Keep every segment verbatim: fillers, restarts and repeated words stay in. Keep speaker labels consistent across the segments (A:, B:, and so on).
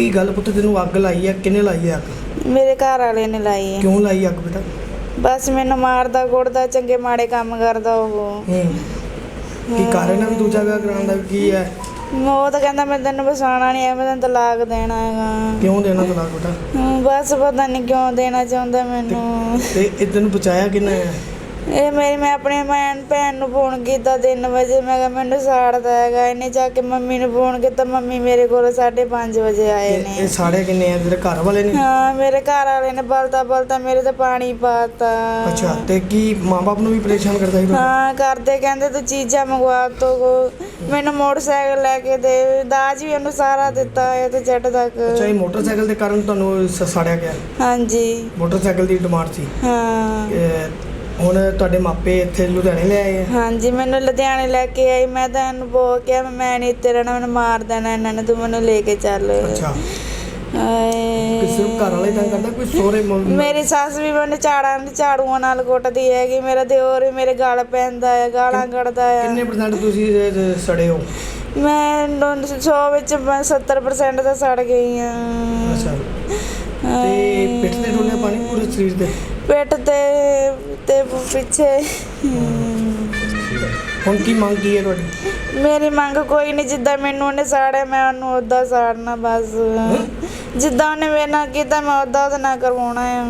A: की गल पुत्त तेनू अग लाई है किन्ने लाई है अग?
B: मेरे घर वाले ने लाई है।
A: क्यों लाई अग बेटा?
B: बस मैनू मारदा कुटदा चंगे माड़े काम करदा ओह।
A: की कारण है भी दूजा विआह कराउण दा की है?
B: वो तो कहंदा मैं तेनू बसाना नहीं है, मैं तेनू तलाक देना हैगा।
A: क्यों देना तलाक बेटा?
B: बस पता नहीं क्यों देना चाहुंदा मैनू।
A: ते ए तेनू बचाया किन्ने है?
B: ये मेरी मैं अपनी भैन भैन नू फोन किया तीन बजे, मैं कहा मैनू साड़दा हैगा। इन्हें जाके मम्मी नू फोन किया, मम्मी मेरे को साढ़े पाँच बजे आए ने।
A: ये साढ़े किन्ने है तेरे घर वाले ने?
B: हाँ मेरे घर वाले ने बलता बलता मेरे ते पानी पाता।
A: अच्छा ते की माँ बाप नू भी परेशान करता ही?
B: हाँ करते, कहते तू चीज़ा मंगवा तो को मैनू मोटरसाइकिल लैके दे, दाज भी उन्होंने सारा दिता है ते जट तक।
A: अच्छा ये मोटरसाइकिल के कारण तुहानू साड़िया गया?
B: हाँ जी
A: मोटरसाइकिल की डिमांड सी?
B: हाँ
A: ਹੁਣ ਤੁਹਾਡੇ ਮਾਪੇ ਇੱਥੇ ਲੁਧਿਆਣੇ ਲੈ ਆਏ ਆ?
B: ਹਾਂਜੀ ਮੈਨੂੰ ਲੁਧਿਆਣੇ ਲੈ ਕੇ ਆਈ। ਮੈਂ ਤਾਂ ਇਹਨੂੰ ਬੋਲ ਕੇ ਮੈਂ ਨਹੀਂ ਇੱਥੇ ਰਹਿਣਾ, ਮੈਨੂੰ ਮਾਰ ਦੇਣਾ ਇਹਨਾਂ ਨੇ, ਤੂੰ ਮੈਨੂੰ ਲੈ ਕੇ ਚੱਲ।
A: ਅੱਛਾ ਕਿਸੇ ਘਰ ਵਾਲੇ ਤਾਂ ਕਰਦਾ ਕੋਈ ਸੋਹਰੇ?
B: ਮੇਰੀ ਸੱਸ ਵੀ ਮੈਨੂੰ ਝਾੜਾਂ ਝਾੜੂਆਂ ਨਾਲ ਕੁੱਟਦੀ ਹੈਗੀ, ਮੇਰਾ ਦਿਓਰ ਵੀ ਮੇਰੇ ਗਲ ਪੈਂਦਾ ਹੈ, ਗਾਲਾਂ ਕੱਢਦਾ ਹੈ।
A: ਕਿੰਨੇ ਪਰਸੈਂਟ ਤੁਸੀਂ ਸੜੇ ਹੋ?
B: ਮੈਂ ਸੌ ਵਿੱਚ ਮੈਂ ਸੱਤਰ ਪਰਸੈਂਟ ਤਾਂ ਸੜ ਗਈ ਹਾਂ।
A: ਅੱਛਾ ਤੇ ਪਿੱਠ ਤੇ ਡੋਲਿਆ ਪਾਣੀ ਪੂਰੇ ਸਰੀਰ ਤੇ?
B: ਪਿੱਠ ਤੇ ਤੇ ਪਿੱਛੇ।
A: ਹੁਣ ਕੀ ਮੰਗ ਕੀ ਹੈ ਤੁਹਾਡੀ?
B: ਮੇਰੀ ਮੰਗ ਕੋਈ ਨਹੀਂ, ਜਿੱਦਾਂ ਮੈਨੂੰ ਉਹਨੇ ਸਾੜਿਆ ਮੈਂ ਉਹਨੂੰ ਉੱਦਾਂ ਸਾੜਨਾ ਬਸ। ਜਿੱਦਾਂ ਉਹਨੇ ਮੇਰੇ ਨਾਲ ਕੀਤਾ ਮੈਂ ਉੱਦਾਂ ਉਹਦੇ ਨਾਲ ਕਰਵਾਉਣਾ ਹੈ।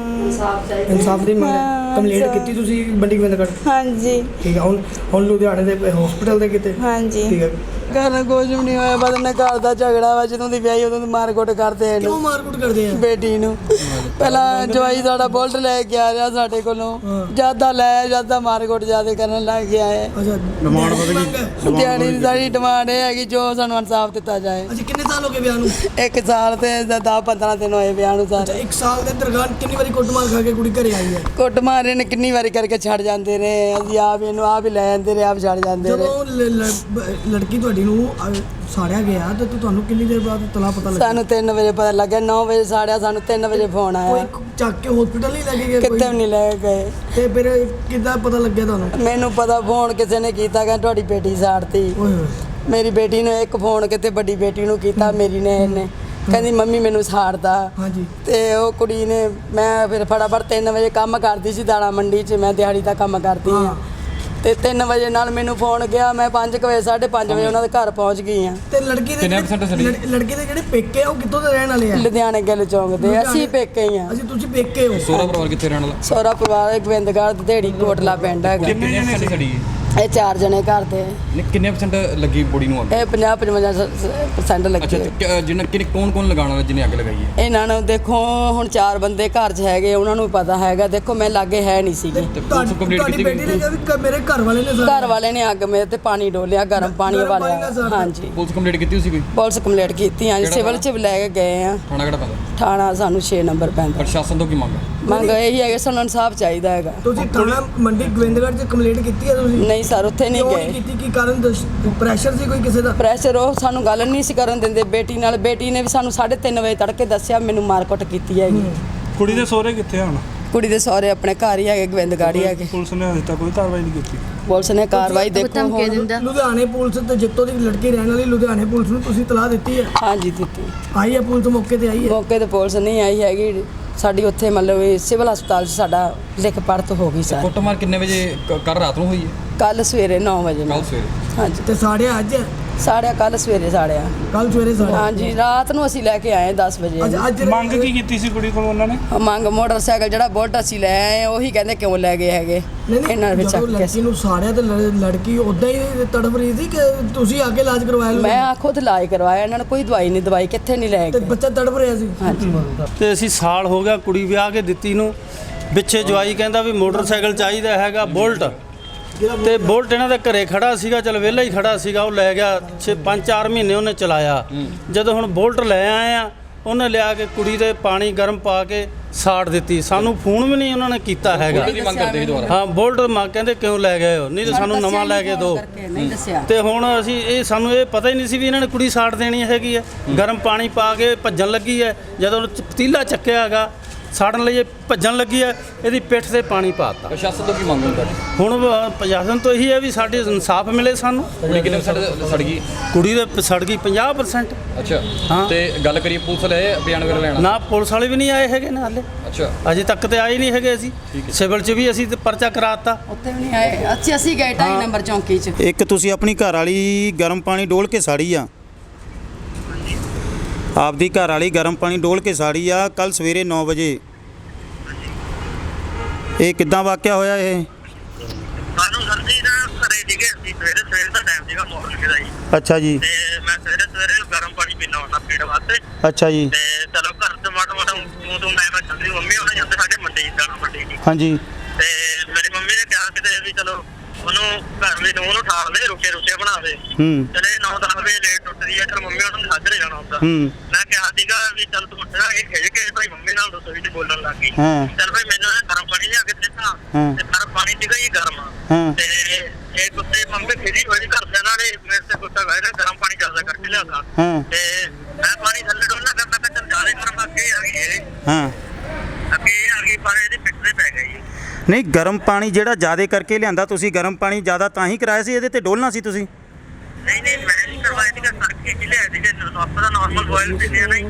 A: ਇਨਸਾਫ ਦੀ ਮੰਗ? ਕੰਪਲੇਂਟ ਕੀਤੀ ਤੁਸੀਂ ਮੰਡੀ ਗੋਬਿੰਦਗੜ੍ਹ?
B: ਹਾਂਜੀ
A: ਠੀਕ ਹੈ। ਹੁਣ ਹੁਣ ਲੁਧਿਆਣੇ ਦੇ ਹਸਪੀਟਲ ਦੇ ਕਿਤੇ?
B: ਹਾਂਜੀ
A: ਠੀਕ ਹੈ।
C: ਘਰ ਕੁਝ ਵੀ ਨਹੀਂ ਹੋਇਆ, ਬਸ ਇਹਨੇ ਘਰ ਦਾ ਝਗੜਾ ਵਾ, ਜਦੋਂ ਦੀ ਵਿਆਹੀ ਉਦੋਂ ਦੀ ਮਾਰਕੁੱਟ ਕਰਦੇ ਆ
A: ਕਿਉਂ ਮਾਰਕੁੱਟ ਕਰਦੇ ਆ?
C: ਬੇਟੀ ਨੂੰ ਪਹਿਲਾਂ ਜਵਾਈ ਸਾਡਾ ਬੁਲਟ ਲੈ ਕੇ ਆ ਰਿਹਾ ਸਾਡੇ ਕੋਲੋਂ, ਜਿਆਦਾ ਲੈ ਜਿਆਦਾ ਮਾਰਕੁੱਟ ਜਿਆਦਾ ਕਰਨ ਲੱਗ ਗਿਆ ਹੈ।
A: ਅੱਛਾ ਡਿਮਾਂਡ ਵਧ ਗਈ?
C: ਦਿਹਾੜੀ ਦੀ ਸਾਡੀ ਡਿਮਾਂਡ ਇਹ ਹੈਗੀ ਜੋ ਸਾਨੂੰ ਇਨਸਾਫ ਦਿੱਤਾ ਜਾਏ।
A: ਅੱਛਾ ਕਿੰਨੇ ਸਾਲ ਹੋ ਗਏ ਵਿਆਹ ਨੂੰ?
C: ਇੱਕ ਸਾਲ ਤੇ ਦਸ ਪੰਦਰਾਂ ਦਿਨ ਹੋਏ ਵਿਆਹ ਨੂੰ ਸਾਰੇ।
A: ਇੱਕ ਸਾਲ ਦੇ ਦਰਗਾਨ ਕਿੰਨੀ ਵਾਰੀ ਕੁੱਟਮਾਰ ਖਾ ਕੇ ਕੁੜੀ ਘਰੇ ਆਈ ਹੈ?
C: ਕੁੱਟ ਮਾਰੇ ਨੇ ਕਿੰਨੀ ਵਾਰੀ ਕਰਕੇ ਛੱਡ ਜਾਂਦੇ ਰਹੇ, ਅਸੀਂ ਆਪ ਇਹਨੂੰ ਆਪ ਹੀ ਲੈ ਜਾਂਦੇ ਰਹੇ, ਆਪ ਛੱਡ ਜਾਂਦੇ ਰਹੇ।
A: ਜਦੋਂ ਲੜਕੀ ਤੁਹਾਡੀ ਨੂੰ ਸਾੜਿਆ ਗਿਆ ਤੇ ਤੁਹਾਨੂੰ ਕਿੰਨੀ ਦੇਰ ਬਾਅਦ ਤਲਾ ਪਤਾ ਲੱਗਾ?
C: ਸਾਨੂੰ ਤਿੰਨ ਵਜੇ ਪਤਾ ਲੱਗਿਆ, ਨੌ ਵਜੇ ਸਾੜਿਆ, ਸਾਨੂੰ ਤਿੰਨ ਵਜੇ ਫੋਨ ਆਇਆ।
A: ਕੋਈ ਚੱਕ ਕੇ ਹਸਪੀਟਲ ਨਹੀਂ ਲੈ ਕੇ ਗਿਆ?
C: ਕਿਤੇ ਵੀ ਨਹੀਂ ਲੈ ਕੇ ਗਏ।
A: ਤੇ ਫਿਰ ਕਿੱਦਾਂ ਪਤਾ ਲੱਗਿਆ ਤੁਹਾਨੂੰ?
C: ਮੈਨੂੰ ਪਤਾ ਫੋਨ ਕਿਸੇ ਨੇ ਕੀਤਾ, ਕਹਿੰਦਾ ਤੁਹਾਡੀ ਬੇਟੀ ਸਾੜਤੀ।
A: ਓਏ ਹੋਏ।
C: ਮੇਰੀ ਬੇਟੀ ਨੂੰ ਇੱਕ ਫੋਨ ਕਿਤੇ ਵੱਡੀ ਬੇਟੀ ਨੂੰ ਕੀਤਾ, ਮੇਰੀ ਨੇ ਇਹਨੇ ਕਹਿੰਦੀ ਮੰਮੀ ਮੈਨੂੰ ਸਾੜਦਾ।
A: ਹਾਂਜੀ
C: ਤੇ ਉਹ ਕੁੜੀ ਨੇ, ਮੈਂ ਫਿਰ ਫਟਾਫਟ ਤਿੰਨ ਵਜੇ ਕੰਮ ਕਰਦੀ ਸੀ ਦਾਣਾ ਮੰਡੀ 'ਚ, ਮੈਂ ਦਿਹਾੜੀ ਦਾ ਕੰਮ ਕਰਦੀ ਹਾਂ। ਤੇ ਤਿੰਨ ਵਜੇ ਨਾਲ ਮੈਨੂੰ ਫੋਨ ਗਿਆ, ਮੈਂ ਪੰਜ ਕੁ ਵਜੇ ਸਾਢੇ ਪੰਜ ਵਜੇ ਉਹਨਾਂ ਦੇ ਘਰ ਪਹੁੰਚ ਗਈ ਹਾਂ।
A: ਤੇ ਲੜਕੀ ਦੇ ਲੜਕੀ ਦੇ ਜਿਹੜੇ ਪੇਕੇ ਆ ਉਹ ਕਿੱਥੋਂ ਦੇ ਰਹਿਣ ਵਾਲੇ ਆ?
C: ਲੁਧਿਆਣੇ ਗਿੱਲ ਚੌਂਕ ਦੇ। ਅਸੀਂ ਪੇਕੇ ਹੀ ਹਾਂ।
A: ਅਸੀਂ ਤੁਸੀਂ ਪੇਕੇ ਹੋ?
D: ਸੋਹਰਾ ਪਰਿਵਾਰ ਕਿੱਥੇ ਰਹਿਣ ਵਾਲਾ?
C: ਸੋਹਰਾ ਪਰਿਵਾਰ ਗੋਬਿੰਦਗੜ੍ਹ ਢੇੜੀ ਕੋਟਲਾ ਪਿੰਡ ਹੈਗਾ।
D: ਕਿੰਨੇ ਜਣੇ ਸੜੀ?
C: ਇਹ ਚਾਰ ਜਣੇ ਘਰ ਦੇ।
D: ਕਿੰਨੇ ਪਰਸੈਂਟ ਲੱਗੀ ਬੋਡੀ ਨੂੰ ਅੱਗ?
C: ਇਹ ਪੰਜਾਹ ਪਚਵੰਜਾ ਪਰਸੈਂਟ ਲੱਗੀ।
D: ਅੱਛਾ ਜਿਹਨਾਂ ਕਿੰਨੇ ਕੌਣ ਕੌਣ ਲਗਾਉਣ ਵਾਲੇ ਜਿਹਨੇ ਅੱਗ ਲਗਾਈ ਹੈ?
C: ਇਹਨਾਂ ਨੂੰ ਦੇਖੋ ਹੁਣ ਚਾਰ ਬੰਦੇ ਘਰ 'ਚ ਹੈਗੇ, ਉਹਨਾਂ ਨੂੰ ਪਤਾ ਹੈਗਾ। ਦੇਖੋ ਮੈਂ ਲਾਗੇ ਹੈ ਨਹੀਂ ਸੀਗੀ।
A: ਤੁਹਾਡੀ ਬੇਟੀ ਨੇ ਕਿਹਾ ਵੀ ਮੇਰੇ ਘਰ ਵਾਲੇ ਨੇ
C: ਘਰ ਵਾਲੇ ਨੇ ਅੱਗ ਮੇਰੇ ਤੇ ਪਾਣੀ ਡੋਲਿਆ, ਗਰਮ ਪਾਣੀ ਵਾਲਿਆ। ਹਾਂਜੀ
D: ਪੁਲਿਸ ਕੰਪਲੀਟ ਕੀਤੀ ਸੀ ਕੋਈ?
C: ਪੁਲਿਸ ਕੰਪਲੀਟ ਕੀਤੀ ਹਾਂ ਜੀ, ਸਿਵਲ 'ਚ ਵੀ ਲੈ ਕੇ ਗਏ ਆ।
D: ਥਾਣਾ ਕਿਹੜਾ ਪੈਂਦਾ?
C: ਥਾਣਾ ਸਾਨੂੰ ਛੇ ਨੰਬਰ ਪੈਂਦਾ।
D: ਪ੍ਰਸ਼ਾਸਨ ਤੋਂ ਕੀ ਮੰਗ ਹੈ?
C: ਮੰਗ ਇਹੀ ਹੈ ਕਿ ਸਾਨੂੰ ਇਨਸਾਫ ਚਾਹੀਦਾ ਹੈਗਾ।
A: ਤੁਸੀਂ ਥਾਣਾ ਮੰਡੀ ਗੋਬਿੰਦਗੜ੍ਹ 'ਚ ਕੰਪਲੇਂਟ ਕੀਤੀ ਹੈ ਤੁਸੀਂ?
C: ਨਹੀਂ ਸਰ ਉੱਥੇ ਨਹੀਂ ਗਏ।
A: ਕੀਤੀ ਕੀ ਕਾਰਨ? ਪ੍ਰੈਸ਼ਰ ਸੀ ਕੋਈ ਕਿਸੇ ਦਾ?
C: ਪ੍ਰੈਸ਼ਰ ਉਹ ਸਾਨੂੰ ਗੱਲ ਨਹੀਂ ਸੀ ਕਰਨ ਦਿੰਦੇ ਬੇਟੀ ਨਾਲ। ਬੇਟੀ ਨੇ ਵੀ ਸਾਨੂੰ ਸਾਢੇ ਤਿੰਨ ਵਜੇ ਤੜਕੇ ਦੱਸਿਆ ਮੈਨੂੰ ਮਾਰਕੁੱਟ ਕੀਤੀ ਹੈਗੀ।
E: ਕੁੜੀ ਦੇ ਸਹੁਰੇ ਕਿੱਥੇ ਹਨ?
C: ਕੁੜੀ ਦੇ ਸਹੁਰੇ ਆਪਣੇ ਘਰ ਹੀ ਹੈਗੇ, ਗੋਬਿੰਦਗੜ੍ਹ ਹੀ ਹੈਗੇ।
E: ਪੁਲਿਸ ਨੇ ਹਜੇ ਤੱਕ ਕੋਈ ਕਾਰਵਾਈ ਨਹੀਂ ਕੀਤੀ?
C: ਪੁਲਿਸ ਨੇ ਕਾਰਵਾਈ ਦੇਖੋ ਹੁਣ
A: ਲੁਧਿਆਣੇ ਪੁਲਿਸ ਤੇ ਜਿੱਤੋਂ ਦੀ ਲੜਕੀ ਰਹਿਣ ਵਾਲੀ ਲੁਧਿਆਣੇ ਪੁਲਿਸ ਨੂੰ ਤੁਸੀਂ ਤਲਾਹ ਦਿੱਤੀ ਹੈ?
C: ਹਾਂਜੀ ਦਿੱਤੀ।
A: ਆਈ ਹੈ ਪੁਲਿਸ ਮੌਕੇ ਤੇ? ਆਈ ਹੈ
C: ਮੌਕੇ ਤੇ ਪੁਲਿਸ ਨਹੀਂ ਆਈ ਹੈਗੀ ਸਾਡੀ। ਉੱਥੇ ਮਤਲਬ ਇਹ ਸਿਵਲ ਹਸਪਤਾਲ 'ਚ ਸਾਡਾ ਲਿਖ ਪੜਤ ਹੋ ਗਈ ਸਰ।
D: ਕੁੱਟਮਾਰ ਕਿੰਨੇ ਵਜੇ ਕੱਲ ਰਾਤ ਨੂੰ ਹੋਈ ਹੈ?
C: ਕੱਲ ਸਵੇਰੇ ਨੌ ਵਜੇ
D: ਕੱਲ ਸਵੇਰੇ?
C: ਹਾਂਜੀ।
A: ਤੇ ਸਾੜਿਆ ਅੱਜ?
C: ਸਾੜਿਆ ਕੱਲ ਸਵੇਰੇ ਸਾੜਿਆ।
A: ਕੱਲ ਸਵੇਰੇ ਸਾੜਿਆ?
C: ਹਾਂਜੀ ਰਾਤ ਨੂੰ ਅਸੀਂ ਲੈ ਕੇ ਆਏ ਦਸ ਵਜੇ।
A: ਅੱਜ ਅੱਜ
E: ਮੰਗ ਕੀ ਕੀਤੀ ਸੀ ਕੁੜੀ ਕੋਲ ਉਹਨਾਂ ਨੇ?
C: ਮੰਗ ਮੋਟਰਸਾਈਕਲ ਜਿਹੜਾ ਬੁਲਟ ਅਸੀਂ ਲੈ ਆਏ ਉਹੀ ਕਹਿੰਦੇ ਕਿਉਂ ਲੈ ਗਏ ਹੈਗੇ। ਇਹਨਾਂ ਨੇ
A: ਜਦੋਂ ਲੜਕੀ ਨੂੰ ਸਾੜਿਆ ਤੇ ਲੜਕੀ ਉਦਾਂ ਹੀ ਤੜਫ ਰਹੀ ਸੀ ਕਿ ਤੁਸੀਂ ਆ ਕੇ ਇਲਾਜ ਕਰਵਾਇਆ?
C: ਮੈਂ ਆ ਖੁਦ ਇਲਾਜ ਕਰਵਾਇਆ, ਇਹਨਾਂ ਨੇ ਕੋਈ ਦਵਾਈ ਨਹੀਂ ਦਵਾਈ ਕਿੱਥੇ ਨਹੀਂ ਲੈ
A: ਤੇ
C: ਗਏ।
A: ਬੱਚਾ ਤੜਫ ਰਿਹਾ ਸੀ?
C: ਹਾਂਜੀ।
F: ਤੇ ਅਸੀਂ ਸਾਲ ਹੋ ਗਿਆ ਕੁੜੀ ਵਿਆਹ ਕੇ ਦਿੱਤੀ ਨੂੰ, ਪਿੱਛੇ ਜਵਾਈ ਕਹਿੰਦਾ ਵੀ ਮੋਟਰਸਾਈਕਲ ਚਾਹੀਦਾ ਹੈਗਾ ਬੁਲਟ, ਤੇ ਬੁਲਟ ਇਹਨਾਂ ਦੇ ਘਰੇ ਖੜਾ ਸੀਗਾ, ਚਲ ਵਿਹਲਾ ਹੀ ਖੜਾ ਸੀਗਾ, ਉਹ ਲੈ ਗਿਆ। ਛੇ ਪੰਜ ਚਾਰ ਮਹੀਨੇ ਉਹਨੇ ਚਲਾਇਆ। ਜਦੋਂ ਹੁਣ ਬੁਲਟ ਲੈ ਆਏ ਆ ਉਹਨੇ ਲਿਆ ਕੇ ਕੁੜੀ ਦੇ ਪਾਣੀ ਗਰਮ ਪਾ ਕੇ ਸਾੜ ਦਿੱਤੀ। ਸਾਨੂੰ ਫੋਨ ਵੀ ਨਹੀਂ ਉਹਨਾਂ ਨੇ ਕੀਤਾ ਹੈਗਾ। ਹਾਂ ਬੁਲਟ ਮਾਂ ਕਹਿੰਦੇ ਕਿਉਂ ਲੈ ਗਏ ਹੋ, ਨਹੀਂ ਤਾਂ ਸਾਨੂੰ ਨਵਾਂ ਲੈ ਕੇ ਦਿਓ। ਤੇ ਹੁਣ ਅਸੀਂ ਇਹ ਸਾਨੂੰ ਇਹ ਪਤਾ ਹੀ ਨਹੀਂ ਸੀ ਵੀ ਇਹਨਾਂ ਨੇ ਕੁੜੀ ਸਾੜ ਦੇਣੀ ਹੈਗੀ ਹੈ। ਗਰਮ ਪਾਣੀ ਪਾ ਕੇ ਭੱਜਣ ਲੱਗੀ ਹੈ, ਜਦੋਂ ਪਤੀਲਾ ਚੱਕਿਆ ਹੈਗਾ ਸਾੜਨ ਲਈ ਇਹ ਭੱਜਣ ਲੱਗੀ ਹੈ, ਇਹਦੀ ਪਿੱਠ ਤੇ ਪਾਣੀ ਪਾਤਾ।
D: ਪ੍ਰਸ਼ਾਸਨ ਤੋਂ ਕੀ ਮੰਗ ਹੈ ਤੁਹਾਡੀ?
F: ਹੁਣ ਅ, ਪ੍ਰਸ਼ਾਸਨ ਤੋਂ ਇਹੀ ਹੈ ਵੀ ਸਾਡੇ ਇਨਸਾਫ ਮਿਲੇ ਸਾਨੂੰ।
D: ਕੁੜੀ ਕਿੰਨੇ ਸੜ ਸੜ ਗਈ?
F: ਕੁੜੀ ਦੇ ਸੜ ਗਈ ਪੰਜਾਹ ਪਰਸੈਂਟ।
D: ਅੱਛਾ
F: ਹਾਂ।
D: ਤੇ ਗੱਲ ਕਰੀਏ ਪੁਲਿਸ ਲੈ ਬਿਆਨ ਵਗੈਰਾ ਲੈਣਾ?
F: ਨਾ ਪੁਲਿਸ ਵਾਲੇ ਵੀ ਨਹੀਂ ਆਏ ਹੈਗੇ ਨੇ ਹਾਲੇ,
D: ਅੱਛਾ
F: ਅਜੇ ਤੱਕ ਤੇ ਆਏ ਨਹੀਂ ਹੈਗੇ। ਅਸੀਂ ਸਿਵਲ 'ਚ ਵੀ ਅਸੀਂ ਤੇ ਪਰਚਾ ਕਰਾਤਾ।
C: ਉੱਥੇ ਵੀ ਨਹੀਂ ਆਏ। ਅੱਛਾ ਅਸੀਂ ਗਏ ਢਾਈ ਨੰਬਰ ਚੌਂਕੀ 'ਚ।
G: ਇੱਕ ਤੁਸੀਂ ਆਪਣੀ ਘਰ ਵਾਲੀ ਗਰਮ ਪਾਣੀ ਡੋਲ ਕੇ ਸਾੜੀ ਆ, ਆਪਦੀ ਘਰ ਵਾਲੀ ਗਰਮ ਪਾਣੀ ਡੋਲ ਕੇ ਸਾੜੀ ਆ ਕੱਲ ਸਵੇਰੇ ਨੌ ਵਜੇ। ਇਹ ਕਿੱਦਾਂ ਵਾਕਿਆ ਹੋਇਆ ਇਹ?
H: ਸਾਨੂੰ ਸਰ ਜੀ ਨਾ ਘਰੇ ਸੀਗੇ ਅਸੀਂ ਸਵੇਰੇ ਸਵੇਰੇ ਦਾ ਟਾਈਮ ਸੀਗਾ ਮਾਰਨਿੰਗ ਦਾ ਜੀ।
G: ਅੱਛਾ ਜੀ।
H: ਤੇ ਮੈਂ ਸਵੇਰੇ ਸਵੇਰੇ ਗਰਮ ਪਾਣੀ ਪੀਣਾ ਹੁੰਦਾ ਪੀਣ ਵਾਸਤੇ।
G: ਅੱਛਾ ਜੀ।
H: ਤੇ ਚਲੋ ਘਰ ਤੋਂ ਮਾੜਾ ਮਾੜਾ ਤੂੰ ਤੂੰ ਮੈਂ ਮੈਂ ਚੱਲਦੀ ਮੰਮੀ ਉਹਨਾਂ ਜਾਂਦੇ ਸਾਡੇ ਮੰਡੀ ਜਾਣਾ ਮੰਡੀ ਜੀ।
G: ਹਾਂਜੀ।
H: ਤੇ ਮੇਰੀ ਮੰਮੀ ਨੇ ਕਿਹਾ ਕਿਤੇ ਵੀ ਚਲੋ ਉਹਨੂੰ ਘਰ ਵਿੱਚ ਨੂੰ ਉਹਨੂੰ ਠਾਲ ਦੇ ਰੋਟੀਆਂ ਰੋਟੀਆਂ ਬਣਾ ਦੇ।
G: ਹੂੰ
H: ਚਲੇ ਨੌ ਦਸ ਵਜੇ ਲੇਟ ਉੱਠਦੀ ਹੈ, ਚਲ ਮੰਮੀ ਉਹਨਾਂ ਨੂੰ ਸਾਜਰੇ ਜਾਣਾ ਹੁੰਦਾ।
G: ਹੂੰ
H: ਮੈਂ ਕਿਹਾ ਸੀਗਾ ਵੀ ਚੱਲ ਤੂੰ ਉੱਠ ਜਾ। ਇਹ ਖਿਜ ਕੇ ਭਾਈ ਮੰਮੀ ਨਾਲ ਰਸੋਈ 'ਚ ਬੋਲਣ ਲੱਗ ਗਈ।
G: ਹਾਂ
H: ਚੱਲ ਭਾਈ ਮੈਨੂੰ ਇਹ ਗਰਮ ਪਾਣੀ ਲਿਆ ਕੇ ਦਿੱਤਾ।
G: ਹਾਂ।
H: ਤੇ ਗਰਮ ਪਾਣੀ ਸੀਗਾ ਜੀ ਗਰਮ।
G: ਹਾਂ।
H: ਤੇ ਇਹ ਕੁੱਤੇ ਮੰਮੀ ਖਿਜੀ ਹੋਈ ਘਰਦਿਆਂ ਨਾਲ ਇਹ ਮੇਰੇ ਤੇ ਗੁੱਸਾ ਕਰ ਰਿਹਾ ਗਰਮ ਪਾਣੀ ਚੱਲਦਾ ਕਰਕੇ ਲਿਆਉਂਦਾ।
G: ਹਾਂ।
H: ਤੇ ਮੈਂ ਪਾਣੀ ਥੱਲੇ ਡੋਲਣਾ ਕਰਨਾ ਮੈਂ ਚੱਲ ਜਾਲੇ ਗਰਮ ਅੱਗੇ ਆ ਗਈ ਇਹ
G: ਹਾਂ।
H: ਅੱਗੇ ਆ ਗਈ ਪਰ ਇਹਦੇ ਪਿੱਛੇ ਤੇ ਪੈ ਗਈ।
G: ਨਹੀਂ, ਗਰਮ ਪਾਣੀ ਜਿਹੜਾ ਜ਼ਿਆਦਾ ਕਰਕੇ ਲਿਆਂਦਾ ਤੁਸੀਂ, ਗਰਮ ਪਾਣੀ ਜ਼ਿਆਦਾ ਤਾਂ ਹੀ ਕਰਾਇਆ ਸੀ, ਇਹਦੇ ਤੇ ਡੋਲਣਾ ਸੀ ਤੁਸੀਂ।
H: ਨਹੀਂ ਨਹੀਂ ਮੈਂ ਨਹੀਂ ਕਰਵਾਇਆ ਸੀਗਾ ਕਰਕੇ ਕਿ ਲਿਆ ਸੀਗਾ ਆਪਾਂ ਦਾ ਨਾਰਮਲ ਬੋਇਲ ਪੀਂਦੇ ਆ ਨਹੀਂ।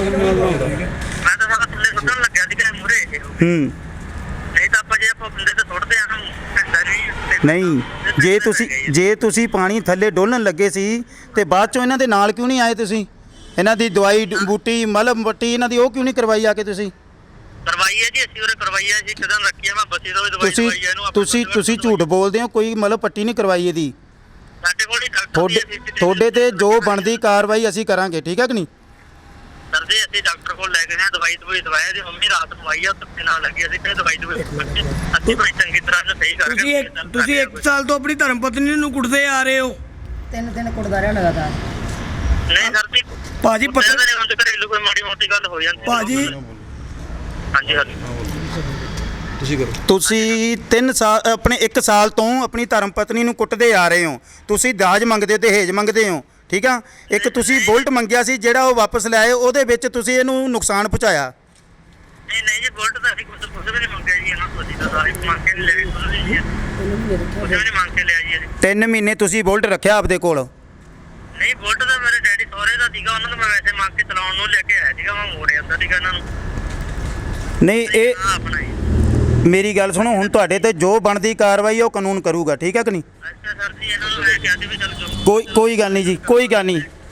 H: ਮੈਂ ਤਾਂ ਸਾਡਾ ਥੱਲੇ ਸੁੱਟਣ ਲੱਗਿਆ ਸੀਗਾ ਮੂਰੇ ਇਹ।
G: ਹੂੰ
H: ਨਹੀਂ ਤਾਂ ਆਪਾਂ ਜੇ ਆਪਾਂ ਬੰਦੇ ਤੇ ਸੁੱਟਦੇ ਆ ਨਾ ਘੰਟਾ ਨਹੀਂ।
G: ਨਹੀਂ, ਜੇ ਤੁਸੀਂ ਜੇ ਤੁਸੀਂ ਪਾਣੀ ਥੱਲੇ ਡੋਲਣ ਲੱਗੇ ਸੀ ਤੇ ਬਾਅਦ ਚੋਂ ਇਹਨਾਂ ਦੇ ਨਾਲ ਕਿਉਂ ਨਹੀਂ ਆਏ ਤੁਸੀਂ? ਇਹਨਾਂ ਦੀ ਦਵਾਈ ਬੂਟੀ ਮਲਮ ਬੱਟੀ ਇਹਨਾਂ ਦੀ ਉਹ ਕਿਉਂ ਨਹੀਂ ਕਰਵਾਈ ਆ ਕੇ ਤੁਸੀਂ?
H: ਕਰਵਾਈ ਹੈ ਜੀ ਅਸੀਂ ਉਹਨੇ ਕਰਵਾਈ ਹੈ ਜੀ। ਕਿਦਾਂ ਰੱਖੀ ਹੈ ਮੈਂ ਬੱਚੀ ਤੋਂ ਵੀ ਦਵਾਈ
G: ਤੁਸੀਂ
H: ਦਵਾਈ ਹੈ ਇਹਨੂੰ। ਆਪਾਂ
G: ਤੁਸੀਂ ਤੁਸੀਂ ਝੂਠ ਬੋਲਦੇ ਹੋ, ਕੋਈ ਮਤਲਬ ਪੱਟੀ ਨਹੀਂ ਕਰਵਾਈ ਇਹਦੀ।
H: ਸਾਡੇ ਕੋਲ ਹੀ ਡਾਕਟਰ
G: ਤੁਹਾਡੇ ਤੁਹਾਡੇ ਤੇ ਜੋ ਬਣਦੀ ਕਾਰਵਾਈ ਅਸੀਂ ਕਰਾਂਗੇ, ਠੀਕ ਹੈ ਕਿ ਨਹੀਂ?
H: ਸਰ ਜੀ ਅਸੀਂ ਡਾਕਟਰ ਕੋਲ ਲੈ ਗਏ ਹਾਂ, ਦਵਾਈ ਦਵਾਈ ਦਵਾਇਆ ਦੀ ਮੰਮੀ ਰਾਤ ਨੂੰ ਆਈ ਆ ਧੱਕੇ ਨਾਲ ਲੱਗੀ ਅਸੀਂ ਫਿਰ ਦਵਾਈ ਦਵਾਈ ਅਸੀਂ ਬੜੀ ਚੰਗੀ ਤਰ੍ਹਾਂ ਨਾਲ ਸਹੀ ਕਰਕੇ
A: ਤੁਸੀਂ ਇੱਕ ਤੁਸੀਂ ਇੱਕ ਸਾਲ ਤੋਂ ਆਪਣੀ ਧਰਮ ਪਤਨੀ ਨੂੰ ਕੁੱਟਦੇ ਆ ਰਹੇ ਹੋ।
C: ਤਿੰਨ ਦਿਨ ਕੁੱਟਦਾ ਰਿਹਾ ਲਗਾਤਾਰ।
H: ਨਹੀਂ ਸਰ ਜੀ
A: ਭਾਜੀ
H: ਪਤਾ
A: ਪਤਾ
H: ਨਹੀਂ ਹੁਣ ਘਰੇਲੂ ਕੋਈ ਮਾੜੀ ਮੋਟੀ ਗੱਲ ਹੋ ਜਾਂਦੀ।
A: ਭਾਜੀ
H: ਹਾਂਜੀ ਹਾਂਜੀ
D: ਤੁਸੀਂ ਕਰੋ।
G: ਤੁਸੀਂ ਤਿੰਨ ਸਾਲ ਆਪਣੇ ਇੱਕ ਸਾਲ ਤੋਂ ਆਪਣੀ ਧਰਮ ਪਤਨੀ ਨੂੰ ਕੁੱਟਦੇ ਆ ਰਹੇ ਹੋ। ਤੁਸੀਂ ਦਾਜ ਮੰਗਦੇ ਹੋ, ਦਹੇਜ ਮੰਗਦੇ ਹੋ, ਠੀਕ ਆ। ਇੱਕ ਤੁਸੀਂ ਬੁਲਟ ਮੰਗਿਆ ਸੀ ਜਿਹੜਾ ਉਹ ਵਾਪਸ ਲਿਆਏ, ਉਹਦੇ ਵਿੱਚ ਤੁਸੀਂ ਇਹਨੂੰ ਨੁਕਸਾਨ ਪਹੁੰਚਾਇਆ।
H: ਨਹੀਂ ਨਹੀਂ ਜੀ ਬੁਲਟ ਤਾਂ ਅਸੀਂ ਕੁਝ ਕੁਝ ਵੀ ਨਹੀਂ ਮੰਗਿਆ ਜੀ ਇਹਨਾਂ ਤੋਂ। ਅਸੀਂ ਤਾਂ ਸਾਰੇ ਮੰਗ ਕੇ ਨਹੀਂ ਲੈ ਕੁਝ ਵੀ ਨਹੀਂ ਕੁਝ ਵੀ ਨਹੀਂ ਮੰਗ ਕੇ ਲਿਆ ਜੀ ਅਸੀਂ।
G: ਤਿੰਨ ਮਹੀਨੇ ਤੁਸੀਂ ਬੁਲਟ ਰੱਖਿਆ ਆਪਦੇ ਕੋਲ।
H: ਨਹੀਂ ਬੁਲਟ ਤਾਂ ਮੇਰੇ ਡੈਡੀ ਸਹੁਰੇ ਦਾ ਸੀਗਾ, ਉਹਨਾਂ ਨੂੰ ਮੈਂ ਵੈਸੇ ਮੰਗ ਕੇ ਚਲਾਉਣ ਨੂੰ ਲੈ ਕੇ ਆਇਆ ਸੀਗਾ। ਮੈਂ ਮੋੜਿਆ ਤਾਂ ਸੀਗਾ ਇਹਨਾਂ ਨੂੰ।
G: ਨਹੀਂ, ਇਹ
H: ਹਾਂ ਆਪਣਾ ਜੀ।
G: ਮੇਰੀ ਗੱਲ ਸੁਣੋ, ਹੁਣ ਤੁਹਾਡੇ ਤੇ ਜੋ ਬਣਦੀ ਕਾਰਵਾਈ ਉਹ ਕਾਨੂੰਨ ਕਰੂਗਾ, ਠੀਕ ਹੈ ਕਿ ਨਹੀਂ?
H: ਅੱਛਾ ਸਰ ਜੀ ਇਹਨਾਂ ਨੂੰ ਮੈਂ ਕਿਹਾ ਸੀ ਵੀ ਚਲ ਜੋ
G: ਕੋਈ ਕੋਈ ਗੱਲ ਨਹੀਂ ਜੀ, ਕੋਈ ਗੱਲ ਨਹੀਂ।